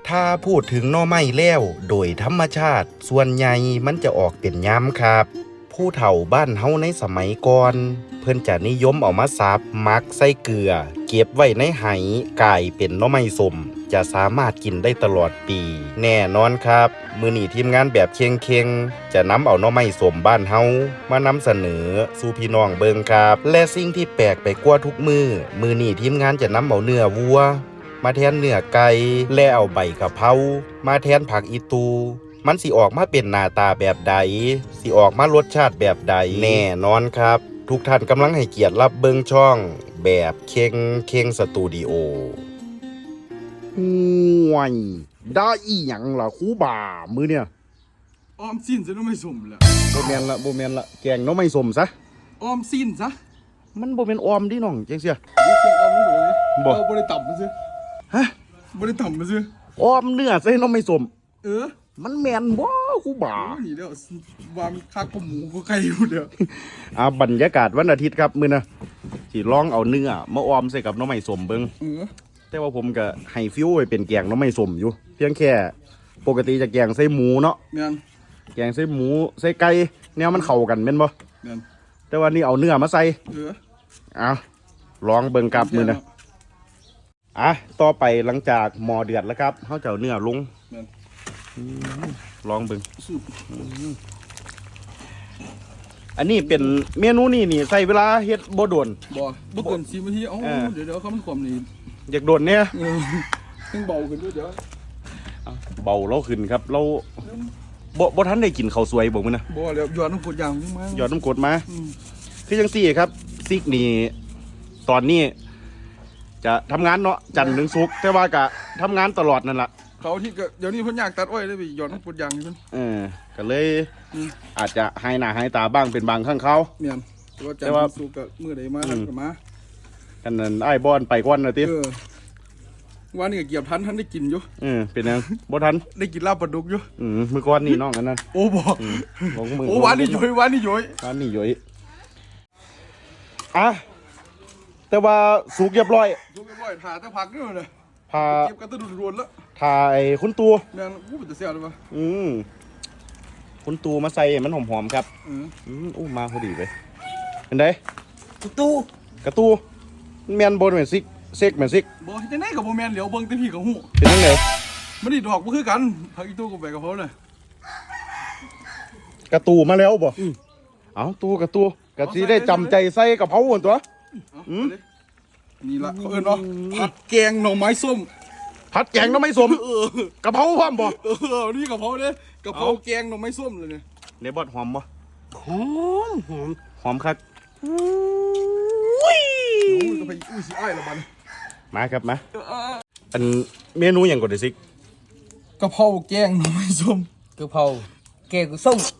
ถ้าพูดถึงหน่อไม้แล้วโดยธรรมชาติส่วนใหญ่มันจะออกเป็นย้ำครับผู้เฒ่าบ้านเฮาในสมัยก่อนเพิ่นจะนิยมเอามาสับมักใส่เกลือเก็บไว้ในไหกลายเป็นหน่อไม้ส้มจะสามารถกินได้ตลอดปีแน่นอนครับมื้อนี้ทีมงานแบบเค็งๆจะนำเอาหน่อไม้ส้มบ้านเฮามานำเสนอสู่พี่น้องเบิ่งครับและสิ่งที่แปลกไปกว่าทุกมื้อนี้ทีมงานจะนำเอาเนื้อวัวมาแทนเนื้อไก่และเอาใบกะเพรามาแทนผักอีตูมันสิออกมาเป็นหน้าตาแบบใดสิออกมารสชาติแบบใดแน่นอนครับทุกท่านกำลังให้เกียรติรับเบิ่งช่องแบบเค็งสตูดิโอห่วยได้อีหยังล่ะครูบ่ามื้อเนี่ยออมสิ้นซะน้องไม่สมแหละบ่แม่นละแกงหน่อไม้ส้มซะออมสิ้นซะมันบ่แม่นออมดิน้องจังเสียนี่เคียงออมนี่เลยบ่บ่ได้ต่ำมาซื้อฮะบ่ได้ต่ำมาซื้อออมเนื้อใส่หน่อไม้ส้มอมันแม่นบ่ครูบ่านี่เด้อว่ามันคักกว่าหมูกว่าไก่อยู่เด้อบรรยากาศวันอาทิตย์ครับมื้อน่ะสิลองเอาเนื้อมาออมใส่กับหน่อไม้ส้มเบิ่งแต่ว่าผมก็ให้ฟิวไว้เป็นแกงหน่อไม้ส้มอยู่เพียงแค่ปกติจะแกงใส่หมูเนาะแม่นแกงใส่หมูใส่ไก่แนวมันเข้ากันแม่นบ่แม่นแต่ว่านี่เอาเนื้อมาใส่เอาลองเบิ่งกับมื้อน่ะต่อไปหลังจากหม้อเดือดแล้วครับเฮาจะเอาเนื้อลงแม่นลองเบิ่งอันนี้เป็นเมนูนี่ใส่เวลาเฮ็ดบ่โดนบ่เกิน10นาทีเดี๋ยวเขามันความนี่อยากโดนเนี่ยต้องเบาขึ้นด้วยเดี๋ยวเบาเราขึ้นครับเราบ่ทันได้กินข้าวสวยบ่มื้อนะบ่แล้วหยอดน้ำกรดอย่างมาหยอดน้ำกรดมาคือจังซี่ครับซิกนี่ตอนนี้จะทำงานเนาะจันทร์ถึงศุกร์แต่ว่าก็ทำงานตลอดนั่นล่ะเขาที่ก็เดี๋ยวนี้เพิ่นอยากตัดอ้อยเลยไปหยอดน้ำกรดอย่างนี่เพิ่นก็เลยอาจจะหายหน้าหายตาบ้างเป็นบางครั้งเขาแม่นแต่ว่าจันทร์ถึงศุกร์ก็มื้อใดมาก็มากันนั้นอ้ายบอนไปก่อนน่ะติวันนี้ก็เกี่ยวทันได้กินอยู่เป็นยังบ่ทันได้กินลาบปลาดุกอยู่มื้อก่อนนี่น้องกันนั่นโอ้บ่โอ้วันนี้ย้อยวันนี้ย้อยแต่ว่าสุกเรียบร้อยทาแต่ผักนี่เลยพาเก็บกันตะดุรวนแล้วถ่ายคุณตูแม่นเป็นตะเสียเลยป่ะคุณตูมาใส่มันหอมๆครับมาพอดีเลยเป็นไงกระตูแมนบนเหมือนซิกเซกเหมือนซิกบ่จะไหนกับโบแมนเหลียวเบิ้งแต่พี่กับหูเป็นยังไงมันนี่ดอกมันคือกันผักอีตู้กับแบกกับเขาเลยกระตูมาแล้วบ่เอากระตูกระสีได้จำใจใส่กับเขาตัวนี่ละเขาเอิ้นว่าผัดแกงหน่อไม้ส้มผัดแกงหน่อไม้ส้มกระเพราพร้อมบ่นี่กระเพราเนี่ยกระเพราแกงหน่อไม้ส้มเลยเนี่ยในบอดหอมบ่หอมครับก็ไปสิอ้ายละบันมาครับมาอันเมนูอย่างก่อนดิซิกกระเพราแกงหน่อไม้ส้มกระเพราแกงส้ม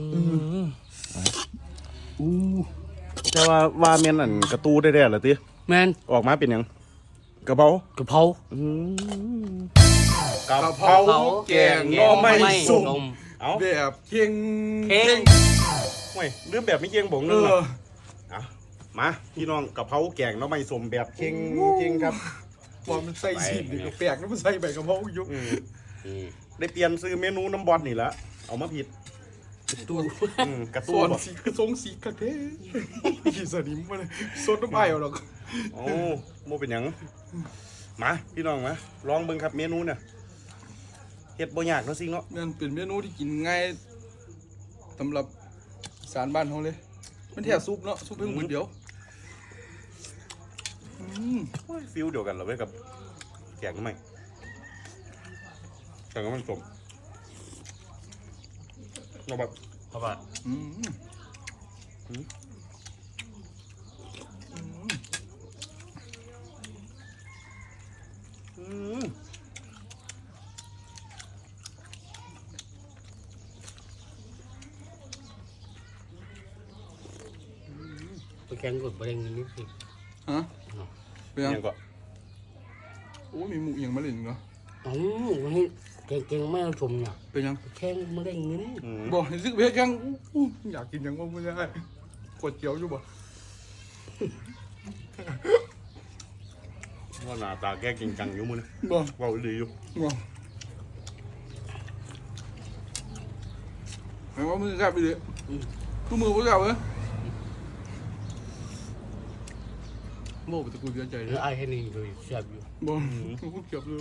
แต่ว่าเมียนอันกระตูได้เหรอติแมนออกมาเป็นยังกระเพรากระเพราแกงหน่อไม้ส้มแบบเค็งไม่เรื่องแบบไม่เค็งบ่งนึงมาพี่น้องกระเพราแกงหน่อไม้ส้มแบบเค็งครับว่ามันใส่สีนี่ก็แปลกนะมันใส่ใบกระเพราอยู่ได้เปลี่ยนซื้อเมนูน้ำบอลนี่ละเอามาผิดกระตูนสีคือทรงสีกระเทยขี่สนิมมาเลยสดน้ำไอ้เอาหรอกโอ้โมเป็นยังมาพี่น้องมาลองเบิ่งครับเมนูเนี่ยเฮ็ดบ่ยากเนาะสิเนาะนั่นเป็นเมนูที่กินง่ายสำหรับสารบ้านเขาเลยมันแค่ซุปเนาะซุปเพิ่งมือเดียวฟิลเดียวกันเหรอเว้ยกับแกงใหม่แต่ก็มันสมเอาแบบแกงกดประเด็นนี้สิฮะเป็นยังก็โอ้มีหมูอย่างมาเล่นเหรอวันนี้แกงไม่ชมเนี่ยเป็นยังแกงมาเล่นเงินบอกซึกเบี้ยแกงอยากกินยังว่าไม่ได้กดเจียวอยู่บ่ว่าหน้าตาแกกินจังอยู่มึงบ่ว่าดีอยู่บ่หมายว่ามือกับไปเลยทุกมือว่ากับเลยโม่ไปตะกูเสียใจหเลรือย ไอ้แค่นี้เลยแซ่บอยู่บ่กูเก็บเลย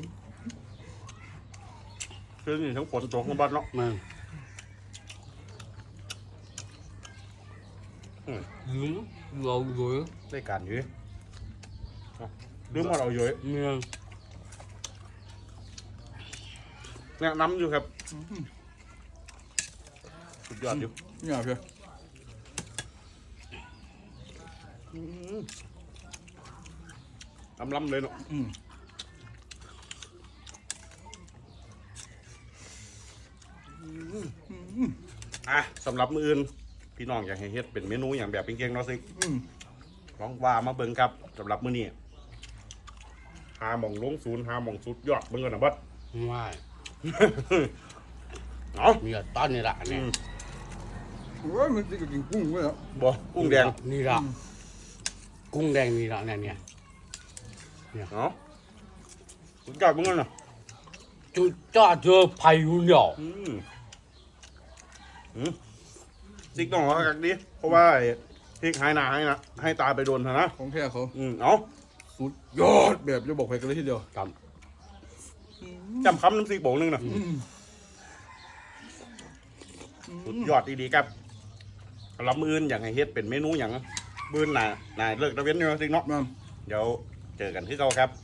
คือนี่ทั้งฝนตกทั้งบ้านเนาะมันลืมเราอยู่ได้การอยู่ลืมว่าเราอยู่เนี่ยแนะนำอยู่ครับสุดยอดอยู่เนี่ยเพื่อนล้ำเลยเนาะอ่ะสำหรับมื้ออื่นพี่น้องอยากให้เฮ็ดเป็นเมนูอย่างแบบเก่งๆเนาะซิลองว่ามาเบิ่งครับสำหรับมื้อนี้หาหม่องลงศูนย์หาหม่องสุดยอดเบิ่งกันนะบัดไม่เอามีตอนนี้ละเนี่ยโอ้ยมันจะกินกุ้งไว้แล้วบ่กุ้งแดงนี่ละกุ้งแดงนี่ละเนี่ยเอาสุดยอดเบิ่งกันนะจุดจ้าเจอพายุเหนียวซิกต้องเอากักดิเพราะว่าไอ้พริกหายหน้าให้ตาไปโดนเถอะนะของแท้เขาเอาสุดยอดแบบจะบอกใครกันเลยทีเดียวกับจำคำน้ำซิกโบกนึงนะสุดยอดดีๆครับสำหรับมื้ออื่นอยากให้เฮ็ดเป็นเมนูอย่างมื้ออื่นน่ะเลิกตะเวนอยู่ซิกเนาะมันเดี๋ยวเจอกันที่เก่าครับ